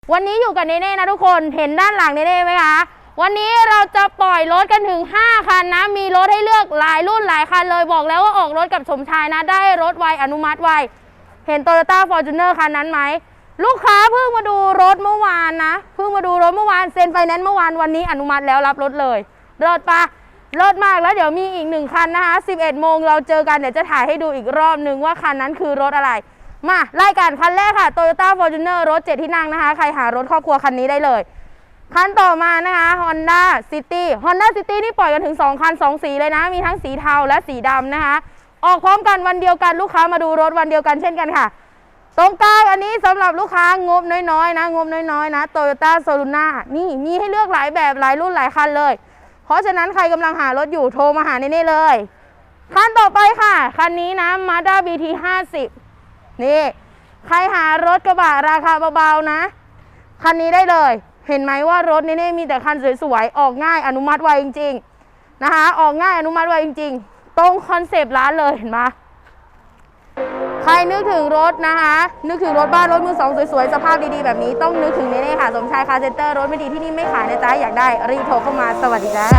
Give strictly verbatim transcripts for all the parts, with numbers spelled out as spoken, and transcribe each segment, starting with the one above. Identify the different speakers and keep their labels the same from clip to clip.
Speaker 1: วันนี้อยู่กับเนเน่นะทุกคนเห็นด้านหลังเนเน่ไหมคะวันนี้เราจะปล่อยรถกันถึงห้าคันนะมีรถให้เลือกหลายรุ่นหลายคันเลยบอกแล้วว่าออกรถกับสมชายนะได้รถไวอนุมัติไวเห็น Toyota Fortuner คันนั้นไหมลูกค้าเพิ่งมาดูรถเมื่อวานนะเพิ่งมาดูรถเมื่อวานเซ็นไฟแนนซ์เมื่อวานวันนี้อนุมัติแล้วรับรถเลยรถปะรถมากแล้วเดี๋ยวมีอีกหนึ่งคันนะคะสิบเอ็ดโมงเราเจอกันเดี๋ยวจะถ่ายให้ดูอีกรอบนึงว่าคันนั้นคือรถอะไรมาไล่กันคันแรกค่ะ Toyota Fortuner รถเจ็ดที่นั่งนะคะใครหารถครอบครัวคันนี้ได้เลยคันต่อมานะคะ Honda City Honda City นี่ปล่อยกันถึงสองคันสองสีเลยนะมีทั้งสีเทาและสีดำนะคะออกพร้อมกันวันเดียวกันลูกค้ามาดูรถวันเดียวกันเช่นกันค่ะตรงกลางอันนี้สำหรับลูกค้างบน้อยๆนะงบน้อยๆนะ Toyota Soluna นี่มีให้เลือกหลายแบบหลายรุ่นหลายคันเลยเพราะฉะนั้นใครกำลังหารถอยู่โทรมาหาเน่ๆเลยคันต่อไปค่ะคันนี้นะ Mazda บี ที ห้าสิบนี่ใครหารถกระบะราคาเบาๆนะคันนี้ได้เลยเห็นไหมว่ารถนี่มีแต่คันสวยๆออกง่ายอนุมัติไวจริงๆนะคะออกง่ายอนุมัติไวจริงๆตรงคอนเซปต์ร้านเลยเห็นไหมใครนึกถึงรถนะคะนึกถึงรถบ้านรถมือสองสวยๆสภาพดีๆแบบนี้ต้องนึกถึงนี่ค่ะสมชายคาร์เซ็นเตอร์รถไม่ดีที่นี่ไม่ขายนะจ๊ะอยากได้รีบโทรเข้ามาสวัสดีจ้า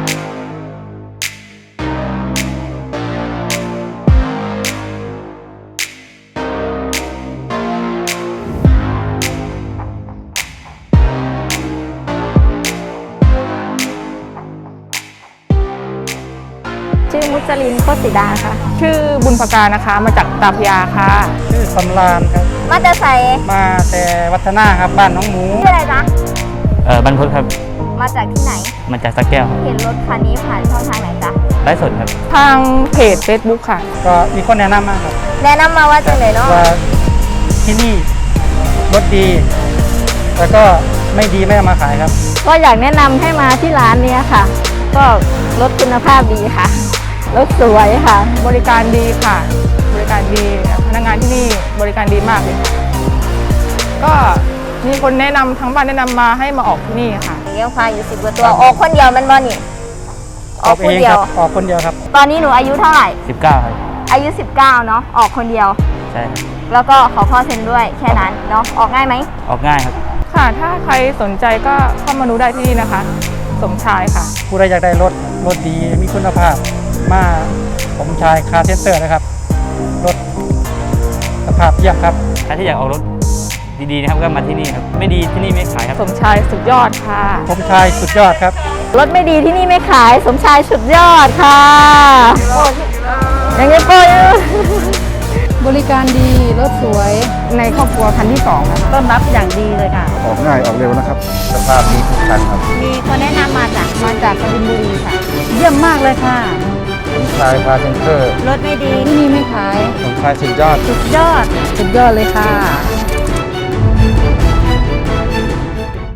Speaker 2: ชื่อมุจลินโคตรสีดาค่ะ
Speaker 3: ชื่อบุญพการนะคะมาจากตาพยาค่ะ
Speaker 4: ชื่อสำราญครับ
Speaker 2: มาจะใส่
Speaker 4: มาแต่วัฒนาครับบ้านน้องหมู
Speaker 2: ชื่ออะไรจ๊ะ
Speaker 5: เออบรรพตครับ
Speaker 2: มาจากที่ไหน
Speaker 5: มาจากสักแก้วครับ
Speaker 2: เห็นรถคันนี้ผ่านช่องทางไหนจ๊ะ
Speaker 5: ไลฟ์สดครับ
Speaker 3: ทางเพจ Facebook ค่ะ
Speaker 4: ก็มีคนแนะนำมาครับ
Speaker 2: แนะนำมาว่าจังไหนเนาะ
Speaker 4: ว่าที่นี่รถดี แล้วก็ไม่ดีไม่เอามาขายครับ
Speaker 2: ก็อยากแนะนำให้มาที่ร้านนี้ค่ะ ก็รถคุณภาพดีค่ะ รถสวยค่ะ
Speaker 3: บริการดีค่ะ บริการดีพนักงานที่นี่บริการดีมากเลยก็มีคนแนะนำทั้งบ้านแนะนำมาให้มาออกที่นี่ค่ะ
Speaker 2: เลี้ยงควายอยู่สิบกว่าตัวออกคนเดียวมันบ่นี่ออกคนเดียว
Speaker 4: ออกคนเดียวครับ
Speaker 2: ตอนนี้หนูอายุเท่าไหร่
Speaker 5: สิบเก้าครับ
Speaker 2: อายุสิบเก้าเนาะออกคนเดียว
Speaker 5: ใช่ครับ
Speaker 2: แล้วก็ขอพ่อเซ็นด้วยแค่นั้นเนาะออกง่ายไหม
Speaker 5: ออกง่ายครับ
Speaker 3: ค่ะ ถ้าใครสนใจก็เข้ามาดูได้ที่นี่นะคะ สมชายค่ะ
Speaker 4: ผู้ใดอยากได้รถรถดีมีคุณภาพมาผมชายคาร์เซ็นเตอร์นะครับรถสภาพเยี่ยมครับ
Speaker 5: ใครที่อยากออกรถดีๆนะครับก็มาที่นี่ครับไม่ดีที่นี่ไม่ขายครับ
Speaker 3: สมชายสุดยอดค่ะ
Speaker 4: ผมชายสุดยอดครับ
Speaker 2: รถไม่ดีที่นี่ไม่ขายสมชายสุดยอดค่ะยังไงโป้ย
Speaker 6: บริการดี รถสวย
Speaker 3: ในครอบครัวคันที่สองนะคะ
Speaker 2: ต้อนรับอย่างดีเลยค่ะ
Speaker 7: ออกง่ายออกเร็วนะครับ สภาพดีทุกคันครับ
Speaker 2: มีคนแนะนำมาจาก
Speaker 6: มาจากกบินบุรีค่ะ
Speaker 2: เยี่ยมมากเลยค่ะ
Speaker 7: ผมชายคาร์เซนเตอร์
Speaker 2: รถไม่ดี
Speaker 6: ที่นี่ไม่ขาย
Speaker 7: ผมชายสุดยอด
Speaker 2: สุดยอด
Speaker 6: สุดยอดเลยค่ะ